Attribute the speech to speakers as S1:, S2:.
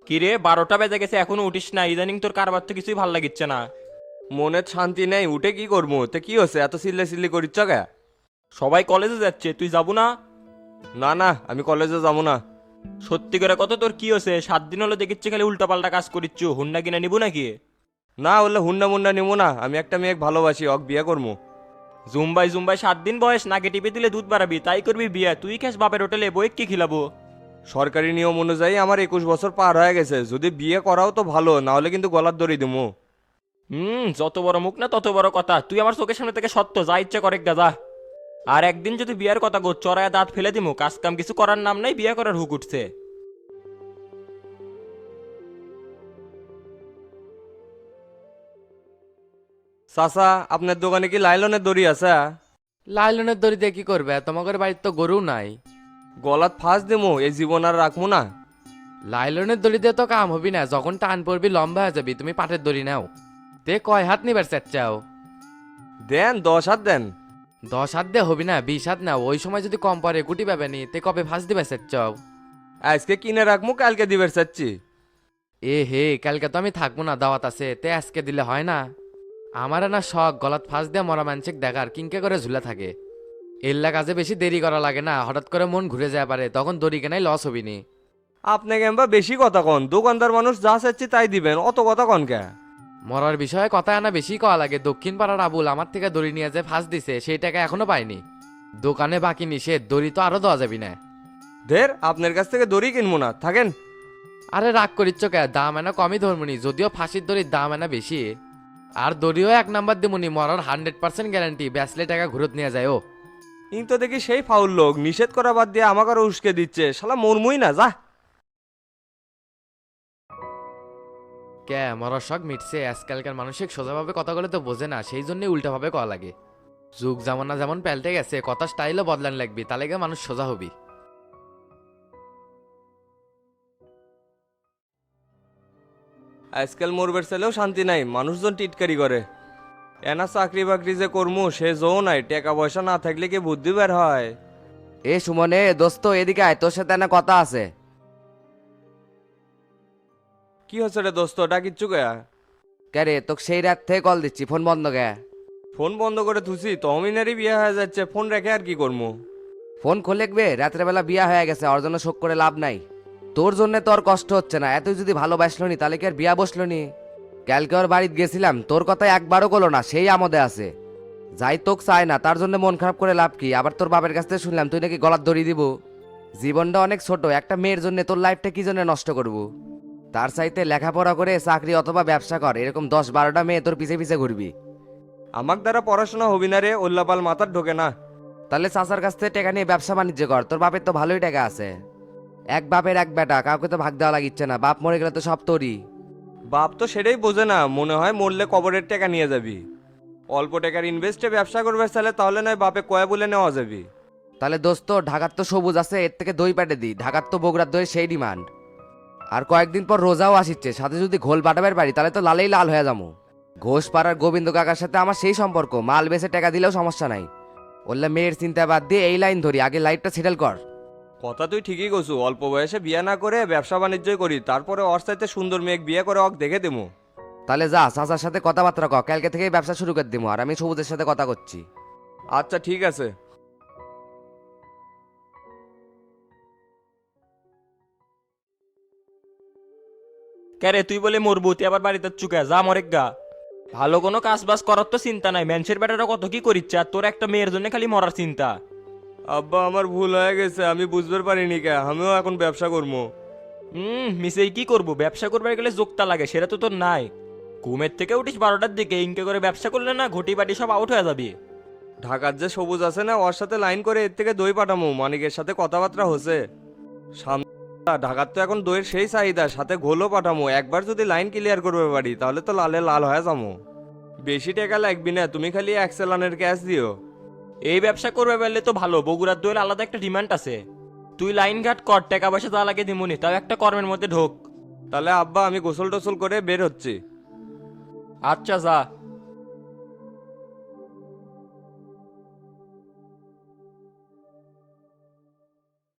S1: কিরে 12টা বেজে গেছে এখনো উঠিস না? ইদানিং তোর কারবার তো কিছুই ভাল লাগিচ্ছে না।
S2: মনে শান্তি নেই, উঠে কি করবো? তে কি হচ্ছে, এত চিল্লে চিল্লি করিচ্ছ কে?
S1: সবাই কলেজে যাচ্ছে, তুই যাবো না?
S2: না না, আমি কলেজে যাবো না।
S1: সত্যি করে কত, তোর কি হচ্ছে? 7 দিন হলো দেখিচ্ছি খালি উল্টাপাল্টা কাজ করিচ্ছু, হুন্ডা কিনে নিবো নাকি?
S2: না হলে হুন্ডা মুন্ডা নিবো না, আমি একটা মেয়ে ভালোবাসি, অক বিয়ে করবো।
S1: জুম্বাই জুম্বাই 7 দিন বয়স, নাকে টিপে দিলে দুধ বাড়াবি, তাই করবি বিয়ে? তুই খাস বাপের হোটেলে, বই কি খিলাবো?
S2: সরকারি নিয়ম অনুযায়ী আমার 21 বছর পার হয়ে গেছে, যদি বিয়ে করাও তো ভালো, না হলে কিন্তু গলার দড়ি দিমু।
S1: যত বড় মুখ না তত বড় কথা। তুই আমার চোখের সামনে থেকে সত্য, যা ইচ্ছে করে গাদা। আর একদিন যদি বিয়ের কথা গো, চড়ায় দাঁত ফেলে দিমু। কাজ কাম কিছু করার নাম নাই, বিয়ে করার হুক উঠছে।
S2: চাচা, আপনার দোকানে কি লাইলনের দড়ি আছে?
S3: লাইলনের দড়ি দিয়ে কি করবে? তোমাদের বাড়ির তো গরু নাই।
S2: গলাত ফাঁস দিমু, এই জীবন আর রাখবো না।
S3: লাইলনের দড়ি দিয়ে তো কাম হবি না, যখন টান পড়বি লম্বা হয়ে যাবি। তুমি পাটের দড়ি নাও। তে কয় হাত নিবার চাও?
S2: দেন 10 হাত দেন।
S3: 10 হাত দিয়ে হবি না, 20 হাত নাও। ওই সময় যদি কম পরে গুটি পাবে নি, তে কবে ফাঁস দিবার চাও?
S2: আজকে কিনে রাখবো, কালকে দিবের চাচ্ছি।
S3: এ হে, কালকে তো আমি থাকবো না, দাওয়াত আছে। তে আজকে দিলে হয় না? আমার না শখ গলাত ফাঁস দিয়ে মরা মানসিক দেখার, কিংকে করে ঝুলে থাকে। এল্লা কাজে বেশি দেরি করা লাগে না, হঠাৎ করে মন ঘুরে যায় পারে, তখন দড়ি কেনাই লস হবি নি।
S2: আপনাকে এমবা বেশি কথা কন, দোকানদার মানুষ যা চাচ্ছি তাই দিবেন, অত কথা কন কে?
S3: মরার বিষয়ে কথা আনা বেশি কওয়া লাগে। দক্ষিণ পাড়ার আবুল আমার থেকে দড়ি নিয়ে যে ফাঁস দিছে, সেই টাকা এখনো পাইনি। দোকানে বাকি নিষেধ, দড়ি তো আরো দেওয়া যাবি না।
S2: ধের, আপনার কাছ থেকে দড়ি কিনবো না, থাকেন।
S3: আরে রাগ করিচ্ছ কে? দাম এনা কমই ধরমুনি, যদিও ফাঁসির দড়ির দাম এনা বেশি। আর দড়িও 1 নাম্বার দিমুনি, মরার 100% গ্যারান্টি। ব্যাসলে টাকা ঘুরত নিয়ে যায় ও।
S2: ইন তো দেখি সেই ফাউল লোক, নিষেধ করা বাদ দিয়ে আমাকে আরো উস্কে দিচ্ছে, শালা মরমুই না, যা।
S3: কে মরার শখ মিটছে? আজকালকার মানসিক সোজাভাবে কথা বলে তো বোঝে না, সেই জন্যই উল্টাভাবে কওয়া লাগে। যুগ জামানা যেমন পাল্টে গেছে, কথা স্টাইলও বদলান লাগবি, তাহলে গিয়ে মানুষ সোজা হবি।
S2: আজকাল মরবের ছেলেও শান্তি নাই, মানুষজন টিটকারি করে। এনা চাকরি বাকরি যে কর্মু সে জো নাই, টাকা পয়সা না থাকলে কি বুদ্ধি বের হয়?
S4: এ সুমনে দোস্ত, এদিকে আয়, তোর সাথে না কথা আছে।
S2: কি হচ্ছে রে দোস্ত, ডাকিচ্ছু গয়া?
S4: কে রে, তোকে সেই রাত থেকে কল দিচ্ছি, ফোন বন্ধ কে?
S2: ফোন বন্ধ করে থুসি, তহমিনারই বিয়ে হয়ে যাচ্ছে, ফোন রেখে আর কি করবো?
S4: ফোন খোলেকবে, রাতের বেলা বিয়া হয়ে গেছে, ওর জন্য শোক করে লাভ নাই। তোর জন্য তোর কষ্ট হচ্ছে না, এতই যদি ভালোবাসলো নি তাহলে কি আর বিয়া বসলো নি? কালকে ওর বাড়িতে গেছিলাম, তোর কথা একবারও করলো না, সেই আমদে আছে। যাই তোক চায় না, তার জন্য মন খারাপ করে লাভ কি? আবার তোর বাপের কাছ থেকে শুনলাম তুই নাকি গলার দড়ি দিব। জীবনটা অনেক ছোট, একটা মেয়ের জন্য তোর লাইফটা কি জন্য নষ্ট করবো? তার চাইতে লেখাপড়া করে চাকরি অথবা ব্যবসা কর, এরকম 10-12টা মেয়ে তোর পিছে পিছে ঘুরবি।
S2: আমার দ্বারা পড়াশোনা হবি না রে, ওল্লাপাল মাথার ঢোকে না।
S4: তাহলে চাচার কাছ থেকে টাকা নিয়ে ব্যবসা বাণিজ্য কর, তোর বাপের তো ভালোই টাকা আছে। এক বাপের এক বেটা, কাউকে তো ভাগ দেওয়া লাগিচ্ছে না, বাপ মরে গেলে তো সব তোরই।
S2: বাপ তো সেটাই বোঝে না, মনে হয় মরলে কবরের টাকা নিয়ে যাবি। অল্প টাকার ইনভেস্টে ব্যবসা করবে চাইলে তাহলে নয় বাপে কয়া বলে নেওয়া যাবি।
S4: তাহলে দোস্ত, ঢাকার তো সবুজ আছে, এর থেকে দই পাটে দি, ঢাকার তো বগুড়ার দই সেই ডিমান্ড। আর কয়েকদিন পর রোজাও আসিচ্ছে, সাথে যদি ঘোল পাঠাবার পারি তাহলে তো লালেই লাল হয়ে যাবো। ঘোষ পাড়ার গোবিন্দ কাকার সাথে আমার সেই সম্পর্ক, মাল বেচে টাকা দিলেও সমস্যা নাই। বললে মেয়ের চিন্তা বাদ দিয়ে এই লাইন ধরি, আগে লাইফটা সেটেল কর।
S2: কথা তুই ঠিকই কছু, অল্প বয়সে বিয়ে না করে ব্যবসা বাণিজ্যই করি, তারপরে ওর চাইতে সুন্দর মেয়ে বিয়ে করে অক দেখে দেবো।
S4: তাহলে যা, চাচার সাথে কথাবার্তা ক, কালকে থেকেই ব্যবসা শুরু করে দিবো, আর আমি সবুজের সাথে কথা করছি।
S2: আচ্ছা ঠিক আছে।
S1: ক্যারে তুই বলে মরবু, তুই আবার বাড়িতে চুকে যা, মরেক গা। ভালো কোনো কাজ বাজ করার তো চিন্তা নাই, ম্যানসের বেটারা কত কি করিচ্ছে, আর তোর একটা মেয়ের জন্য খালি মরার চিন্তা।
S2: আব্বা আমার ভুল হয়ে গেছে, আমি বুঝতে পারিনি কে, আমিও এখন ব্যবসা করবো।
S1: মিসেই কি করবো? ব্যবসা করবার গেলে যোগতা লাগে, সেটা তো তোর নাই। ঘুমের থেকে উঠিস 12টার দিকে, ইনকে করে ব্যবসা করলে না ঘটি বাটি সব আউট হয়ে যাবি।
S2: ঢাকার যে সবুজ আছে না, ওর সাথে লাইন করে এর থেকে দই পাঠামো, মানিকের সাথে কথাবার্তা হচ্ছে। সামনে ঢাকার তো এখন দইয়ের সেই চাহিদা, সাথে ঘোলও পাঠামো, একবার যদি লাইন ক্লিয়ার করবে পারি তাহলে তো লালে লাল হয়ে যাবো। বেশি টাকা লাগবি না, তুমি খালি 1 চালানের ক্যাশ দিও।
S1: এই ব্যবসা করবে পারলে তো ভালো, বগুড়ার দইয়ের আলাদা একটা ডিমান্ড আছে। তুই লাইন ঘাট কর, টাকা পয়সা যা লাগে দিমুনি, তাও একটা কর্মের মধ্যে ঢোক।
S2: তাহলে আব্বা আমি গোসল টোসল করে বের হচ্ছি।
S1: আচ্ছা যা।